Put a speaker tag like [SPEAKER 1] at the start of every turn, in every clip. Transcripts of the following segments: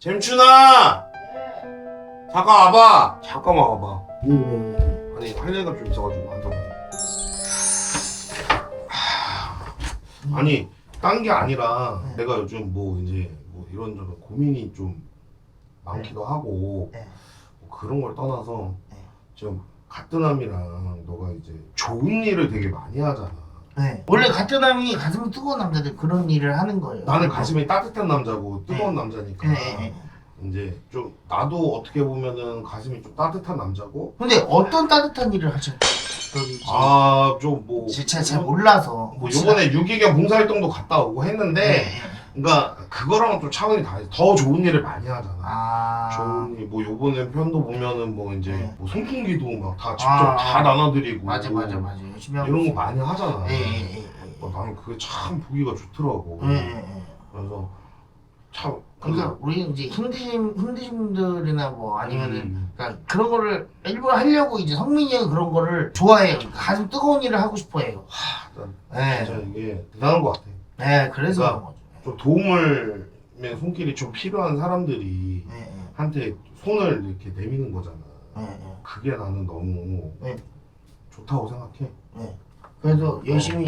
[SPEAKER 1] 잼춘아! 잠깐 와봐! 잠깐만 와봐. 아니 할 얘기가 좀 있어가지고 앉아봐. 아니 딴 게 아니라 내가 요즘 뭐 이제 뭐 이런저런 고민이 좀 많기도 하고 뭐 그런 걸 떠나서 지금 가뜨남이랑 너가 이제 좋은 일을 되게 많이 하잖아.
[SPEAKER 2] 네. 원래 가뜨남이 가슴이 뜨거운 남자들 그런 일을 하는 거예요.
[SPEAKER 1] 나는 가슴이 따뜻한 남자고 뜨거운 남자니까
[SPEAKER 2] 네.
[SPEAKER 1] 이제 좀 나도 어떻게 보면은 가슴이 좀 따뜻한 남자고.
[SPEAKER 2] 근데 어떤 따뜻한 일을 하셨던지
[SPEAKER 1] 좀 뭐
[SPEAKER 2] 제가 잘 몰라서
[SPEAKER 1] 뭐 요번에 유기견 봉사활동도 갔다 오고 했는데 그러니까 그거랑은 좀 차원이 다르지. 더 좋은 일을 많이 하잖아. 좋은 일, 뭐 요번에 편도 보면은 뭐 이제 뭐 son풍기도 막 다 직접 다 나눠드리고
[SPEAKER 2] 맞아 열심히 하고
[SPEAKER 1] 이런 거 많이 하잖아.
[SPEAKER 2] 예.
[SPEAKER 1] 나는 그게 참 보기가 좋더라고. 그래서 참
[SPEAKER 2] 그러니까 우리 이제 힘드신 분들이나 뭐 아니면은 그러니까 그런 거를 일부러 하려고 이제 성민이 형이 그런 거를 좋아해요. 가슴 뜨거운 일을 하고 싶어해요.
[SPEAKER 1] 진짜 이게 대단한 것 같아.
[SPEAKER 2] 네, 그래서
[SPEAKER 1] 그러니까
[SPEAKER 2] 그런 거죠.
[SPEAKER 1] 좀 도움을 손길이 좀 필요한 사람들이 한테 손을 이렇게 내미는 거잖아. 그게 나는 너무 좋다고 생각해.
[SPEAKER 2] 그래서 열심히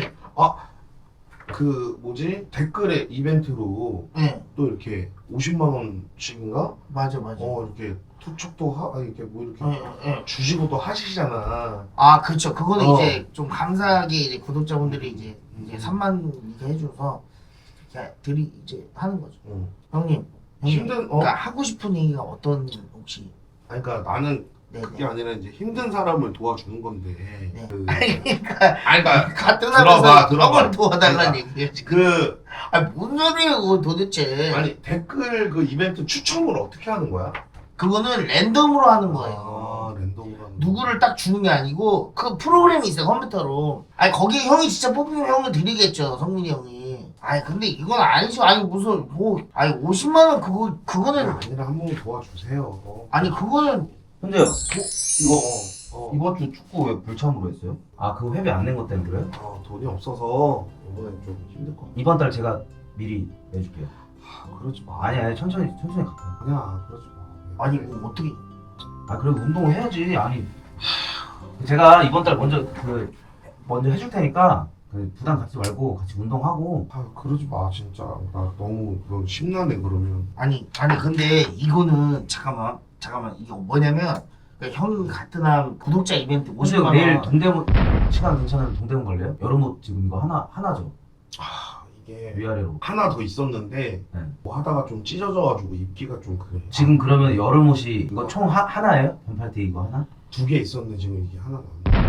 [SPEAKER 1] 그 뭐지 댓글에 이벤트로 또 이렇게 50만 원씩인가?
[SPEAKER 2] 맞아.
[SPEAKER 1] 이렇게 투척도 이렇게 뭐 이렇게 주시고 또 하시잖아.
[SPEAKER 2] 그렇죠. 그거는 이제 좀 감사하게 이제 구독자분들이 이제 3만 이렇게 해줘서 이렇게 이제 하는 거죠. 형님 그러니까 하고 싶은 얘기가 어떤 혹시?
[SPEAKER 1] 그러니까 나는
[SPEAKER 2] 네네.
[SPEAKER 1] 그게 아니라 이제 힘든 사람을 도와주는 건데.
[SPEAKER 2] 그러니까 같은
[SPEAKER 1] 들어봐.
[SPEAKER 2] 형을 도와달라는 얘기예요 지금.
[SPEAKER 1] 그
[SPEAKER 2] 뭔 소리예요 그거 도대체?
[SPEAKER 1] 아니 댓글 그 이벤트 추첨을 어떻게 하는 거야?
[SPEAKER 2] 그거는 랜덤으로 하는 거예요.
[SPEAKER 1] 랜덤으로 하는
[SPEAKER 2] 누구를 딱 주는 게 아니고 그 프로그램이 있어요 컴퓨터로. 거기에 형이 진짜 뽑히면 형을 드리겠죠 성민이 형이. 근데 이건 아니죠. 무슨 뭐 50만 원 그거는
[SPEAKER 1] 아니라 한 번만 도와주세요.
[SPEAKER 2] 그거는
[SPEAKER 3] 근데 이거 이번 주 축구 왜 불참으로 했어요? 그거 회비 안 낸 것 때문에 그래요?
[SPEAKER 1] 돈이 없어서 이번엔 좀 힘들 것 같아.
[SPEAKER 3] 이번 달 제가 미리 내줄게요.
[SPEAKER 1] 그러지 마.
[SPEAKER 3] 아니 천천히 갈게요.
[SPEAKER 1] 아니야 그러지 마.
[SPEAKER 2] 이거 어떻게?
[SPEAKER 3] 그래도 운동을 해야지. 제가 이번 달 먼저 해줄 테니까 부담 갖지 말고 같이 운동하고.
[SPEAKER 1] 그러지 마 진짜. 나 너무 심란해 그러면.
[SPEAKER 2] 근데 이거는 잠깐만 이게 뭐냐면 형 같은 한 구독자 이벤트 50만 원.
[SPEAKER 3] 내일 동대문 시간 괜찮으면 동대문 갈래요? 여름옷 지금 이거 하나죠?
[SPEAKER 1] 이게
[SPEAKER 3] 위아래로.
[SPEAKER 1] 하나 더 있었는데 뭐 하다가 좀 찢어져가지고 입기가 좀 그래.
[SPEAKER 3] 지금 그러면 여름옷이 이거 총 하나예요? 반팔티 이거 하나?
[SPEAKER 1] 2개 있었는데 지금 이게 하나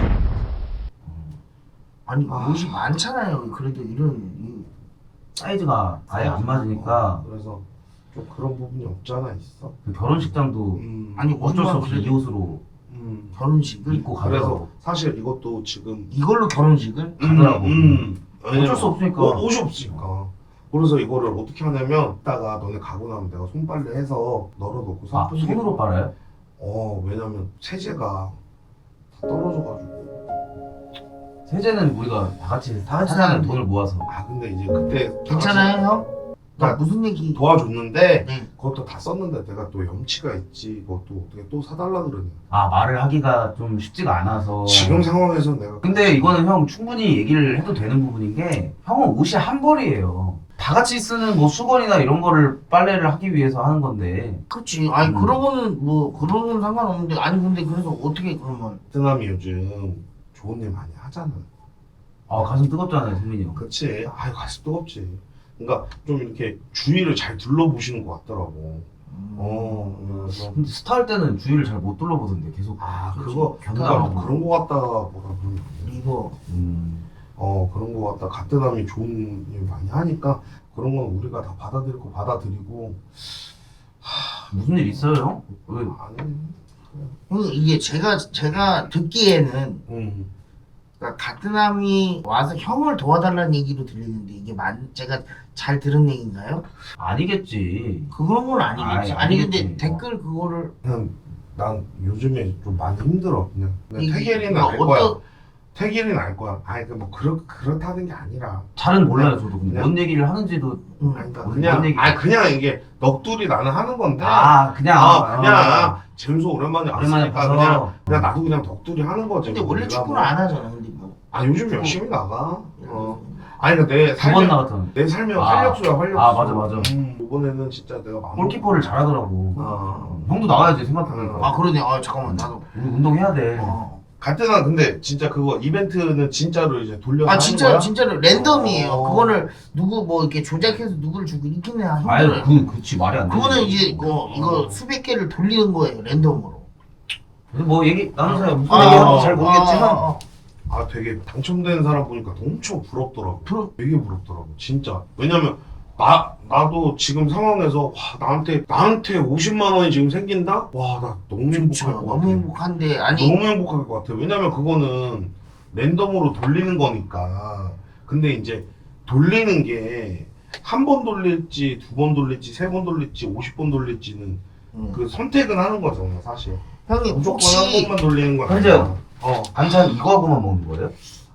[SPEAKER 1] 남았어.
[SPEAKER 2] 옷이 많잖아요. 그래도 이런
[SPEAKER 3] 사이즈가 아예 안 맞으니까.
[SPEAKER 1] 그래서 좀 그런 부분이 없잖아 있어.
[SPEAKER 3] 그 결혼식장도 어쩔 수 없이 이 옷으로
[SPEAKER 2] 결혼식을
[SPEAKER 3] 입고
[SPEAKER 1] 그래서
[SPEAKER 3] 가더라고.
[SPEAKER 1] 사실 이것도 지금
[SPEAKER 2] 이걸로 결혼식을
[SPEAKER 3] 가더라고.
[SPEAKER 1] 어쩔
[SPEAKER 3] 수 없으니까.
[SPEAKER 1] 옷이 없으니까. 그래서 이거를 어떻게 하냐면 이따가 너네 가고 나면 내가 손빨래 해서 널어놓고
[SPEAKER 3] 손으로 빨아요?
[SPEAKER 1] 왜냐면 세제가 다 떨어져가지고.
[SPEAKER 3] 세제는 우리가 다 같이
[SPEAKER 2] 하는데.
[SPEAKER 3] 하는 돈을 모아서.
[SPEAKER 1] 근데 이제 그때
[SPEAKER 2] 괜찮아요 형? 나 무슨 얘기?
[SPEAKER 1] 도와줬는데
[SPEAKER 2] 네.
[SPEAKER 1] 그것도 다 썼는데 내가 또 염치가 있지. 그것도 어떻게 또 사달라 그러냐.
[SPEAKER 3] 말을 하기가 좀 쉽지가 않아서.
[SPEAKER 1] 지금 상황에서 내가
[SPEAKER 3] 근데 이거는 형 충분히 얘기를 해도 되는 부분인 게, 형은 옷이 한 벌이에요. 다 같이 쓰는 뭐 수건이나 이런 거를 빨래를 하기 위해서 하는 건데.
[SPEAKER 2] 그렇지. 그런 거는 뭐 그런 건 상관없는데 근데 그래서 어떻게 그러면?
[SPEAKER 1] 베트남이 요즘 좋은 일 많이 하잖아.
[SPEAKER 3] 가슴 뜨겁잖아요, 승민이 형.
[SPEAKER 1] 그치. 가슴 뜨겁지. 그러니까 좀 이렇게 주위를 잘 둘러보시는 것 같더라고. 그래서
[SPEAKER 3] 근데 스타 할 때는 주위를 잘 못 둘러보던데 계속.
[SPEAKER 1] 그거
[SPEAKER 3] 견다하고.
[SPEAKER 1] 그런 거 같다 뭐라 그러는데.
[SPEAKER 2] 이거
[SPEAKER 1] 그런 거 같다. 가뜨남이 좋은 일 많이 하니까 그런 건 우리가 다 받아들이고.
[SPEAKER 3] 무슨 일 있어요, 형? 왜?
[SPEAKER 1] 아니.
[SPEAKER 2] 이게 제가 듣기에는 그러니까 가뜨남이 와서 형을 도와달라는 얘기로 들리는데 이게 제가 잘 들은 얘기인가요?
[SPEAKER 3] 아니겠지.
[SPEAKER 2] 그런 건 아니겠지.
[SPEAKER 3] 아니겠지.
[SPEAKER 2] 근데 댓글 그거를
[SPEAKER 1] 그냥 난 요즘에 좀 많이 힘들어. 그냥 태겔이나 할
[SPEAKER 2] 그러니까
[SPEAKER 1] 거야. 태길이는 알 거야. 아니 그 뭐 그렇다는 게 아니라.
[SPEAKER 3] 잘은 몰라요 저도. 근데
[SPEAKER 1] 그냥-
[SPEAKER 3] 뭔 얘기를 하는지도.
[SPEAKER 1] 아니, 그러니까
[SPEAKER 3] 뭔
[SPEAKER 1] 그냥
[SPEAKER 3] 얘기-
[SPEAKER 1] 그냥 이게 넋두리 나는 하는 건데.
[SPEAKER 3] 그냥
[SPEAKER 1] 잼수 오랜만에
[SPEAKER 3] 오랜만에
[SPEAKER 1] 왔으니까
[SPEAKER 3] 봐서.
[SPEAKER 1] 그냥 나도 그냥 넋두리 하는 거지.
[SPEAKER 2] 근데
[SPEAKER 1] 뭐
[SPEAKER 2] 원래
[SPEAKER 1] 내가
[SPEAKER 2] 축구를
[SPEAKER 1] 뭐-
[SPEAKER 2] 안 하잖아. 근데 뭐.
[SPEAKER 1] 아 요즘 열심히 나가. 아니 근데 내
[SPEAKER 3] 두 번
[SPEAKER 1] 삶의
[SPEAKER 3] 나갔던.
[SPEAKER 1] 내 삶의
[SPEAKER 3] 아.
[SPEAKER 1] 활력소야 활력소.
[SPEAKER 3] 맞아.
[SPEAKER 1] 이번에는 진짜 내가 마음.
[SPEAKER 3] 골키퍼를 잘하더라고.
[SPEAKER 1] 아.
[SPEAKER 3] 형도 나와야지 생각하면.
[SPEAKER 2] 아 그러네. 아 잠깐만 나도.
[SPEAKER 3] 우리 운동해야 돼.
[SPEAKER 1] 갈등한 근데 진짜 그거 이벤트는 진짜로 이제 돌려서
[SPEAKER 2] 아
[SPEAKER 1] 하는 거야?
[SPEAKER 2] 진짜로 랜덤이에요.
[SPEAKER 1] 어.
[SPEAKER 2] 그거를 누구 뭐 이렇게 조작해서 누구를 주고 이기는
[SPEAKER 3] 아유
[SPEAKER 2] 힘들어요.
[SPEAKER 3] 그치 말이 안 돼.
[SPEAKER 2] 그거는 이제 이거 수백 개를 돌리는 거예요 랜덤으로.
[SPEAKER 3] 뭐 얘기 나누세요. 무슨
[SPEAKER 2] 아,
[SPEAKER 3] 얘기하는지 잘 모르겠지만.
[SPEAKER 1] 아 되게 당첨된 사람 보니까 엄청 부럽더라고. 되게 부럽더라고 진짜. 왜냐면 나도 지금 상황에서 와 나한테 50만 원이 지금 생긴다? 와 나 너무
[SPEAKER 2] 그렇죠.
[SPEAKER 1] 행복할 것 같아.
[SPEAKER 2] 너무 행복한데 아니
[SPEAKER 1] 너무 행복할 것 같아. 왜냐면 그거는 랜덤으로 돌리는 거니까. 근데 이제 돌리는 게 한 번 돌릴지, 두 번 돌릴지, 세 번 돌릴지, 50번 돌릴지는 그 선택은 하는 거잖아, 사실.
[SPEAKER 2] 형님
[SPEAKER 1] 무조건
[SPEAKER 2] 혹시
[SPEAKER 1] 한 번만 돌리는 거
[SPEAKER 3] 현재요.
[SPEAKER 1] 아니야.
[SPEAKER 3] 반찬 이거 하고만 먹는 거예요?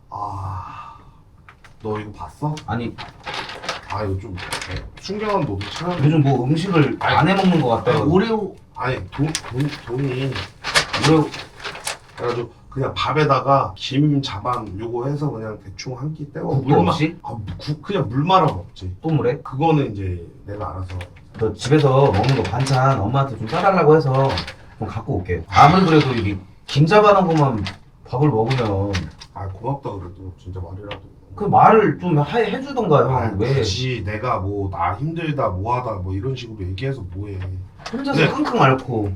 [SPEAKER 1] 너 이거 봤어?
[SPEAKER 3] 아니
[SPEAKER 1] 아 이거 좀 순경한 너도 찾아.
[SPEAKER 3] 요즘 뭐 음식을 안 해 먹는 것 같다.
[SPEAKER 2] 오레오
[SPEAKER 1] 아니 돈이
[SPEAKER 3] 오레오
[SPEAKER 1] 그래가지고 그냥 밥에다가 김 자반 요거 해서 그냥 대충 한 끼 떼고
[SPEAKER 3] 국도 없이?
[SPEAKER 1] 그냥 물 말아 먹지.
[SPEAKER 3] 또 뭐래?
[SPEAKER 1] 그거는 이제 내가 알아서.
[SPEAKER 3] 너 집에서 먹는 거 반찬 엄마한테 좀 싸달라고 해서 좀 갖고 올게. 아무리 그래도 이게 김 잡아놓은 것만 밥을 먹으면
[SPEAKER 1] 아 고맙다 그래도 진짜 말이라도.
[SPEAKER 3] 그 말을 좀 해주던가 형.
[SPEAKER 1] 아,
[SPEAKER 3] 왜
[SPEAKER 1] 그렇지 내가 뭐 나 힘들다 뭐하다 뭐 이런 식으로 얘기해서 뭐해.
[SPEAKER 3] 혼자서
[SPEAKER 1] 네.
[SPEAKER 3] 끙끙 앓고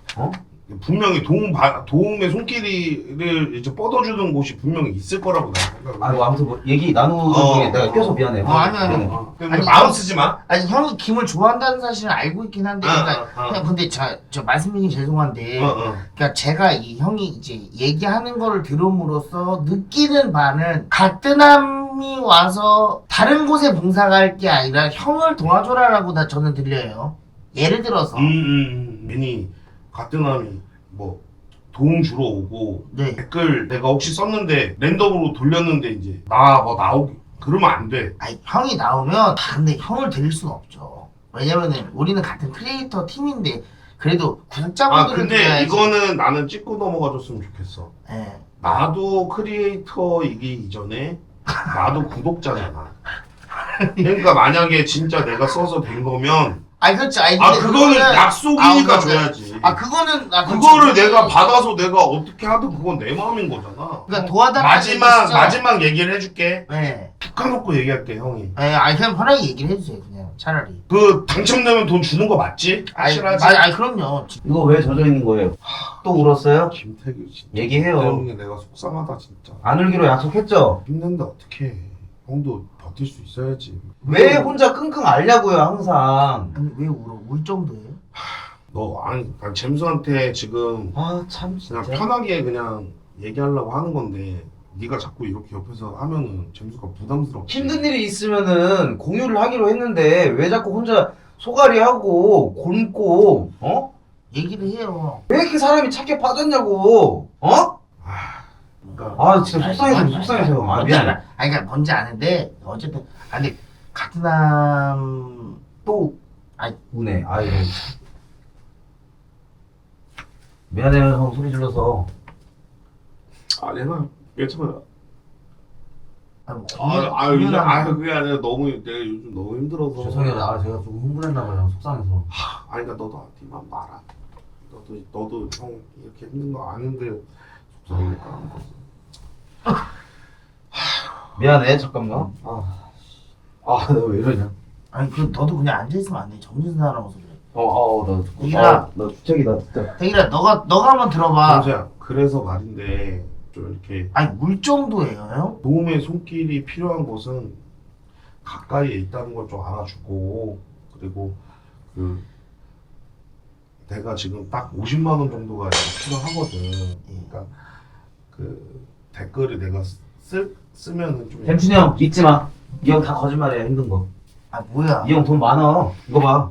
[SPEAKER 1] 분명히 도움의 손길이를 이제 뻗어주는 곳이 분명히 있을 거라고 나는 생각을.
[SPEAKER 3] 아이고 아무튼 뭐 얘기 나누는 중에 내가 껴서 미안해.
[SPEAKER 2] 아니.
[SPEAKER 1] 근데
[SPEAKER 2] 아니,
[SPEAKER 1] 마음 쓰지 마.
[SPEAKER 2] 아니 형이 김을 좋아한다는 사실은 알고 있긴 한데 그러니까
[SPEAKER 1] 어.
[SPEAKER 2] 그냥 근데 저 말씀드리기 죄송한데
[SPEAKER 1] 어.
[SPEAKER 2] 그러니까 제가 이 형이 이제 얘기하는 거를 들음으로써 느끼는 바는 가뜩남이 와서 다른 곳에 봉사 갈 게 아니라 형을 도와줘라라고 저는 들려요. 예를 들어서
[SPEAKER 1] 괜히 가뜩남이 뭐 도움 주러 오고
[SPEAKER 2] 네.
[SPEAKER 1] 댓글 내가 혹시 썼는데 랜덤으로 돌렸는데 이제 나 뭐 나오기 그러면 안 돼.
[SPEAKER 2] 아니 형이 나오면 근데 형을 드릴 수는 없죠. 왜냐면은 우리는 같은 크리에이터 팀인데 그래도 구독자분들을
[SPEAKER 1] 근데
[SPEAKER 2] 드려야지.
[SPEAKER 1] 이거는 나는 찍고 넘어가줬으면 좋겠어.
[SPEAKER 2] 예.
[SPEAKER 1] 나도 크리에이터이기 이전에 나도 구독자잖아. 그러니까 만약에 진짜 내가 써서 된 거면
[SPEAKER 2] 아니 그렇지. 아니
[SPEAKER 1] 아
[SPEAKER 2] 근데
[SPEAKER 1] 그거는
[SPEAKER 2] 그거는-
[SPEAKER 1] 약속이니까
[SPEAKER 2] 아,
[SPEAKER 1] 줘야지.
[SPEAKER 2] 그거는
[SPEAKER 1] 그거를
[SPEAKER 2] 그렇지.
[SPEAKER 1] 내가 받아서 내가 어떻게 하든 그건 내 마음인 거잖아.
[SPEAKER 2] 그러니까 도와달라는
[SPEAKER 1] 마지막 얘기를 해줄게.
[SPEAKER 2] 네.
[SPEAKER 1] 툭 까놓고 얘기할게 형이.
[SPEAKER 2] 네, 아니 그냥 편하게 얘기를 해주세요 그냥 차라리.
[SPEAKER 1] 그 당첨되면 돈 주는 거 맞지? 확실하지?
[SPEAKER 2] 아니 그럼요.
[SPEAKER 3] 이거 왜 젖어 있는 거예요? 또 울었어요?
[SPEAKER 1] 김태규 진짜
[SPEAKER 3] 얘기해요.
[SPEAKER 1] 때문에 내가 속상하다 진짜.
[SPEAKER 3] 안 울기로 약속했죠?
[SPEAKER 1] 힘든데 어떡해. 형도 버틸 수 있어야지.
[SPEAKER 3] 왜 혼자 끙끙 앓냐고요 항상.
[SPEAKER 2] 아니 왜 울어? 울 정도예요?
[SPEAKER 1] 난 잼수한테 지금
[SPEAKER 3] 아 참
[SPEAKER 1] 그냥
[SPEAKER 3] 진짜.
[SPEAKER 1] 편하게 그냥 얘기하려고 하는 건데 네가 자꾸 이렇게 옆에서 하면은 잼수가 부담스럽지.
[SPEAKER 3] 힘든 일이 있으면은 공유를 하기로 했는데 왜 자꾸 혼자 소갈이 하고 곪고
[SPEAKER 2] 얘기를 해요.
[SPEAKER 3] 왜 이렇게 사람이 착해 빠졌냐고
[SPEAKER 1] 그러니까
[SPEAKER 3] 아 진짜 속상해서 아 미안해.
[SPEAKER 2] 아니 그러니까 뭔지 아는데 어쨌든 근데 가트남
[SPEAKER 3] 또 우네. 아유 미안해요 형 소리 질러서.
[SPEAKER 1] 내가 괜찮아.
[SPEAKER 2] 공연하는
[SPEAKER 1] 그게 아니라 내가 요즘 너무 힘들어서.
[SPEAKER 3] 죄송해요. 제가 조금 흥분했나봐요. 속상해서.
[SPEAKER 1] 아니 그러니까 너도 네맘 말아. 너도 형 이렇게 힘든 거 아는데 속상하니까 하는 거지.
[SPEAKER 3] 미안해 잠깐만. 내가 왜 이러냐.
[SPEAKER 2] 아니 그 너도 그냥 앉아 있으면 안 돼. 정신 사나워서 그래.
[SPEAKER 3] 나 주책이다 진짜.
[SPEAKER 2] 대기라 너가 한번 들어봐.
[SPEAKER 1] 정수야 그래서 말인데 좀 이렇게
[SPEAKER 2] 아니 울 정도예요 형?
[SPEAKER 1] 도움의 손길이 필요한 곳은 가까이에 있다는 걸 좀 알아주고 그리고 그 내가 지금 딱 50만 원 정도가 필요하거든. 그러니까 그 댓글을 내가 쓰면은 좀
[SPEAKER 3] 햄춘이 형 믿지 마. 이 형 다 거짓말이야 힘든 거.
[SPEAKER 2] 아 뭐야?
[SPEAKER 3] 이 형 돈 많아. 이거 봐.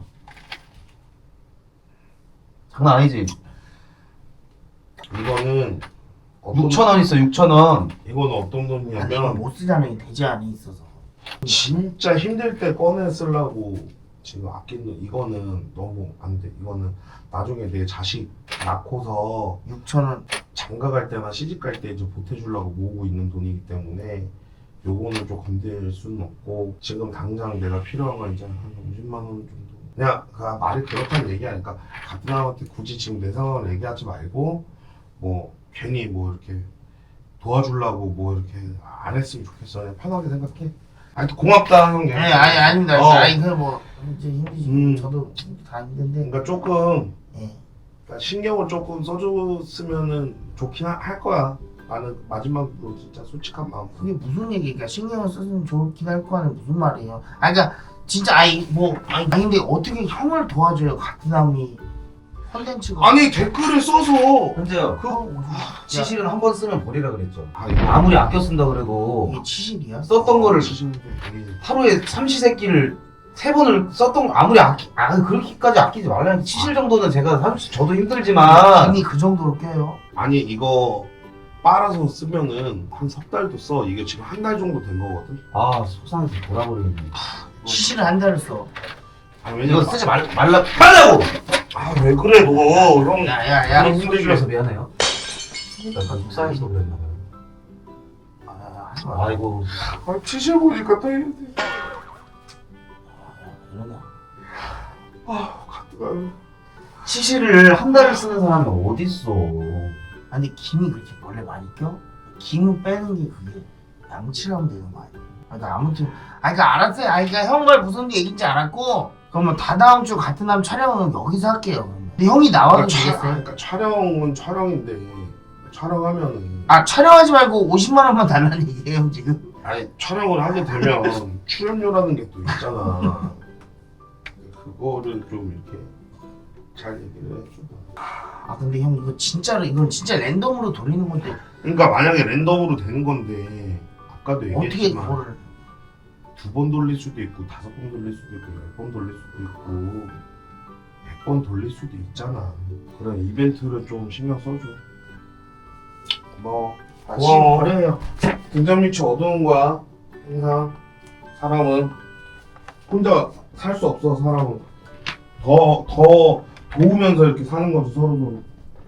[SPEAKER 3] 장난 아니지.
[SPEAKER 1] 이거는
[SPEAKER 3] 6,000원 있어 6,000원.
[SPEAKER 1] 이거는 어떤
[SPEAKER 2] 아니, 이거
[SPEAKER 1] 돈이냐면
[SPEAKER 2] 못 쓰잖아요. 대지 안에 있어서.
[SPEAKER 1] 진짜 힘들 때 꺼내 쓰려고 지금 아낀 돈. 이거는 너무 안 돼. 이거는 나중에 내 자식 낳고서
[SPEAKER 2] 6,000원.
[SPEAKER 1] 장가 갈 때나 시집 갈 때 이제 보태주려고 모으고 있는 돈이기 때문에 요거는 좀 건들 수는 없고, 지금 당장 내가 필요한 건 이제 한 50만 원 정도. 그냥 말이 그렇다는 얘기 아니까 같은 사람한테 굳이 지금 내 상황을 얘기하지 말고 뭐 괜히 뭐 이렇게 도와주려고 뭐 이렇게 안 했으면 좋겠어. 그냥 편하게 생각해. 아니 고맙다 형님.
[SPEAKER 2] 네, 아닙니다.
[SPEAKER 1] 어.
[SPEAKER 2] 아니 그뭐 이제 힘드시. 저도 다 힘든데.
[SPEAKER 1] 그러니까 조금
[SPEAKER 2] 예.
[SPEAKER 1] 그러니까 신경을 조금 써줬으면은 좋긴 할 거야. 나는 마지막으로 진짜 솔직한 마음.
[SPEAKER 2] 그게 무슨 얘기니까 신경을 쓰면 좋긴 할 거는 무슨 말이에요? 아니 그러니까 진짜 아니 근데 어떻게 형을 도와줘요? 같은 남이 컨텐츠가.
[SPEAKER 1] 아니 댓글을 써서
[SPEAKER 3] 현재요. 치실은 한 번 쓰면 버리라 그랬죠.
[SPEAKER 1] 이거
[SPEAKER 3] 아무리 아껴 쓴다 그래도
[SPEAKER 2] 이게 치실이야?
[SPEAKER 3] 썼던 거를
[SPEAKER 1] 지금 되게
[SPEAKER 3] 하루에 삼시세끼를 3번을 썼던 거 아무리 그렇게까지 아끼지 말라니까. 치실 정도는 제가 저도 힘들지만
[SPEAKER 2] 이미 그 정도로 껴요?
[SPEAKER 1] 아니 이거 빨아서 쓰면은 한 석 달도 써. 이게 지금 한 달 정도 된 거거든.
[SPEAKER 3] 아 속상해서 돌아버리겠네.
[SPEAKER 2] 치실을 한 달을 써.
[SPEAKER 1] 아
[SPEAKER 3] 이거
[SPEAKER 1] 왜냐면
[SPEAKER 3] 쓰지 말라고.
[SPEAKER 1] 아 왜 그래 너 형.
[SPEAKER 2] 야야야.
[SPEAKER 3] 너무 힘들어서 미안해요. 약간 속상해서 그랬나봐요.
[SPEAKER 2] 하지 마.
[SPEAKER 3] 아이고.
[SPEAKER 1] 아 치실 보니까 또 이래.
[SPEAKER 2] 이러냐?
[SPEAKER 1] 가뜩
[SPEAKER 3] 치실을 한 달을 쓰는 사람이 어딨어.
[SPEAKER 2] 아니 김이 그렇게 원래 많이 껴? 김을 빼는 게 그게 양치하면 되는 거 아니야? 그러니까 아무튼 그러니까 알았어요. 그러니까 형 말 무슨 얘기인지 알았고, 그러면 다다음 주 같은 남 촬영은 여기서 할게요. 그러면. 근데 형이 나와도 되겠어요?
[SPEAKER 1] 그러니까 촬영은 촬영인데 촬영하면은
[SPEAKER 2] 촬영하지 말고 50만 원만 달라는 얘기예요 형 지금?
[SPEAKER 1] 아니 촬영을 하게 되면 출연료라는 게 또 있잖아. 그거를 좀 이렇게 잘 얘기를 해줘.
[SPEAKER 2] 근데 형 이건 진짜 랜덤으로 돌리는 건데
[SPEAKER 1] 그러니까 만약에 랜덤으로 되는 건데 아까도
[SPEAKER 2] 어떻게
[SPEAKER 1] 얘기했지만
[SPEAKER 2] 그거를
[SPEAKER 1] 2번 돌릴 수도 있고 5번 돌릴 수도 있고 10번 돌릴 수도 있고 100번 돌릴 수도 있잖아. 그런 이벤트를 좀 신경 써줘. 고마워.
[SPEAKER 2] 지금 버려요.
[SPEAKER 1] 등잔 밑이 어두운 거야. 항상 사람은 혼자 살 수 없어. 사람은 더 도우면서 이렇게 사는 거지 서로.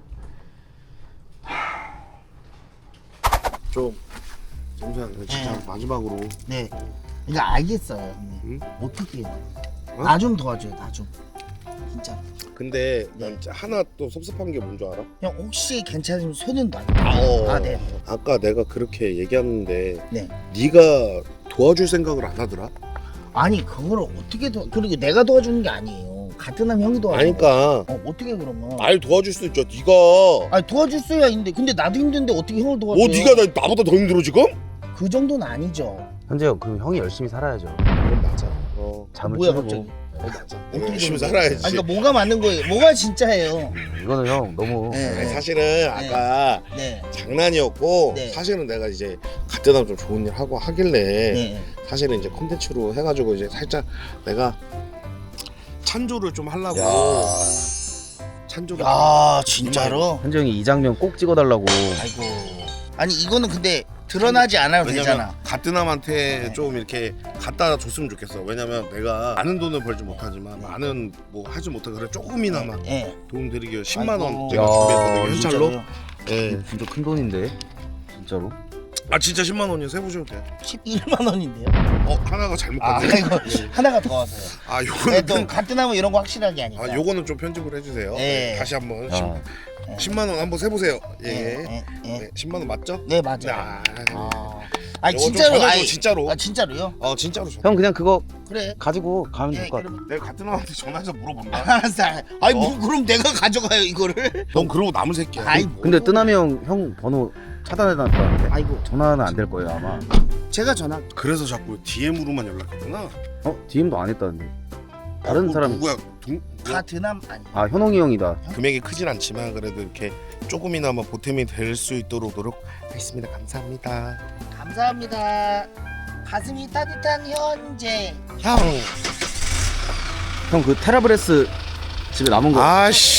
[SPEAKER 1] 좀 정수야 진짜
[SPEAKER 2] 네.
[SPEAKER 1] 마지막으로
[SPEAKER 2] 네. 그러니까 알겠어요 형님.
[SPEAKER 1] 응?
[SPEAKER 2] 어떻게 해요?
[SPEAKER 1] 어?
[SPEAKER 2] 나 좀 도와줘요 나 좀. 진짜.
[SPEAKER 1] 근데 난 하나 또 섭섭한 게 뭔지 알아?
[SPEAKER 2] 형 혹시 괜찮으면 손은 놔. 네.
[SPEAKER 1] 아까 내가 그렇게 얘기했는데
[SPEAKER 2] 네.
[SPEAKER 1] 네가 도와줄 생각을 안 하더라?
[SPEAKER 2] 아니 그거를 어떻게 그리고 내가 도와주는 게 아니에요. 같은 남 형이 도와주는
[SPEAKER 1] 아니까
[SPEAKER 2] 어떻게 그러면?
[SPEAKER 1] 날 도와줄 수도 있죠. 네가
[SPEAKER 2] 아니 도와줄 수야 있는데 근데 나도 힘든데 어떻게 형을 도와줘요?
[SPEAKER 1] 나보다 더 힘들어 지금?
[SPEAKER 2] 그 정도는 아니죠.
[SPEAKER 3] 현재요. 그럼 형이 열심히 살아야죠.
[SPEAKER 1] 그럼 맞아.
[SPEAKER 3] 잠을
[SPEAKER 2] 뭐야
[SPEAKER 3] 치르고.
[SPEAKER 2] 갑자기?
[SPEAKER 1] 맞아.
[SPEAKER 2] 어떻게
[SPEAKER 1] 열심히
[SPEAKER 2] 되는
[SPEAKER 1] 살아야지.
[SPEAKER 2] 아니 그러니까 뭐가 맞는 거예요? 뭐가 진짜예요?
[SPEAKER 3] 이거는 형 너무
[SPEAKER 2] 네.
[SPEAKER 1] 아니, 사실은 아까
[SPEAKER 2] 네.
[SPEAKER 1] 장난이었고
[SPEAKER 2] 네.
[SPEAKER 1] 사실은 내가 이제 같은 남 좀 좋은 일 하고 하길래
[SPEAKER 2] 네.
[SPEAKER 1] 사실은 이제 콘텐츠로 해가지고 이제 살짝 내가 찬조를 좀 하려고 찬조를
[SPEAKER 2] 야 진짜로?
[SPEAKER 3] 현재 형이 이 장면 꼭 찍어달라고.
[SPEAKER 2] 아이고. 아니 이거는 근데 드러나지 않아도 되잖아.
[SPEAKER 1] 같은 남한테
[SPEAKER 2] 네.
[SPEAKER 1] 좀 이렇게 갖다 줬으면 좋겠어. 왜냐면 내가 많은 돈을 벌지 못하지만 많은 뭐 하지 못해 그래 조금이나마
[SPEAKER 2] 예.
[SPEAKER 1] 도움 드리기 위해 10만 원
[SPEAKER 2] 아이고.
[SPEAKER 1] 제가
[SPEAKER 3] 야,
[SPEAKER 1] 준비했거든요. 현찰로.
[SPEAKER 2] 진짜로요?
[SPEAKER 1] 예.
[SPEAKER 3] 진짜 큰 돈인데 진짜로.
[SPEAKER 1] 아 진짜 10만 원이요. 세보셔도 돼요.
[SPEAKER 2] 11만 원인데요?
[SPEAKER 1] 하나가 잘못
[SPEAKER 2] 아
[SPEAKER 1] 갔네.
[SPEAKER 2] 이거 하나가 더 와서요.
[SPEAKER 1] 아
[SPEAKER 2] 네,
[SPEAKER 1] 요거는
[SPEAKER 2] 또 같은 나무 이런 거 확실하게 하니까.
[SPEAKER 1] 아 요거는 좀 편집을 해주세요.
[SPEAKER 2] 네.
[SPEAKER 1] 다시 한번
[SPEAKER 3] 야.
[SPEAKER 1] 10만 원 한번 세보세요. 예.
[SPEAKER 2] 예.
[SPEAKER 1] 네, 10만 원 맞죠?
[SPEAKER 2] 네 맞아요.
[SPEAKER 1] 아,
[SPEAKER 2] 아니
[SPEAKER 1] 요거 좀
[SPEAKER 2] 진짜로
[SPEAKER 1] 전해줘,
[SPEAKER 2] 아니
[SPEAKER 1] 진짜로.
[SPEAKER 2] 아 진짜로요?
[SPEAKER 1] 진짜로 전.
[SPEAKER 3] 형 그냥 그거
[SPEAKER 2] 그래.
[SPEAKER 3] 가지고 가면
[SPEAKER 2] 예,
[SPEAKER 3] 될 것 같아.
[SPEAKER 2] 그럼
[SPEAKER 1] 내가 같은 남한테 전화해서 물어본다.
[SPEAKER 2] 알았어. 아니 뭐 그럼 내가 가져가요 이거를?
[SPEAKER 1] 넌 그러고 남은 새끼야.
[SPEAKER 2] 아이,
[SPEAKER 3] 근데 뜨남이 형 번호 차단해놨다는데
[SPEAKER 2] 아이고
[SPEAKER 3] 전화는 안 될 거예요 아마.
[SPEAKER 2] 제가 전화.
[SPEAKER 1] 그래서 자꾸 DM으로만 연락했구나.
[SPEAKER 3] DM도 안 했다는데. 다른 사람.
[SPEAKER 1] 누구야?
[SPEAKER 2] 다 드남 아니.
[SPEAKER 3] 아 현홍이 형이다.
[SPEAKER 1] 금액이 크진 않지만 그래도 이렇게 조금이나마 보탬이 될 수 있도록 노력하겠습니다. 감사합니다.
[SPEAKER 2] 감사합니다. 가슴이 따뜻한 현재.
[SPEAKER 1] 형.
[SPEAKER 3] 형 그 테라브레스 집에 남은 거.
[SPEAKER 1] 아씨.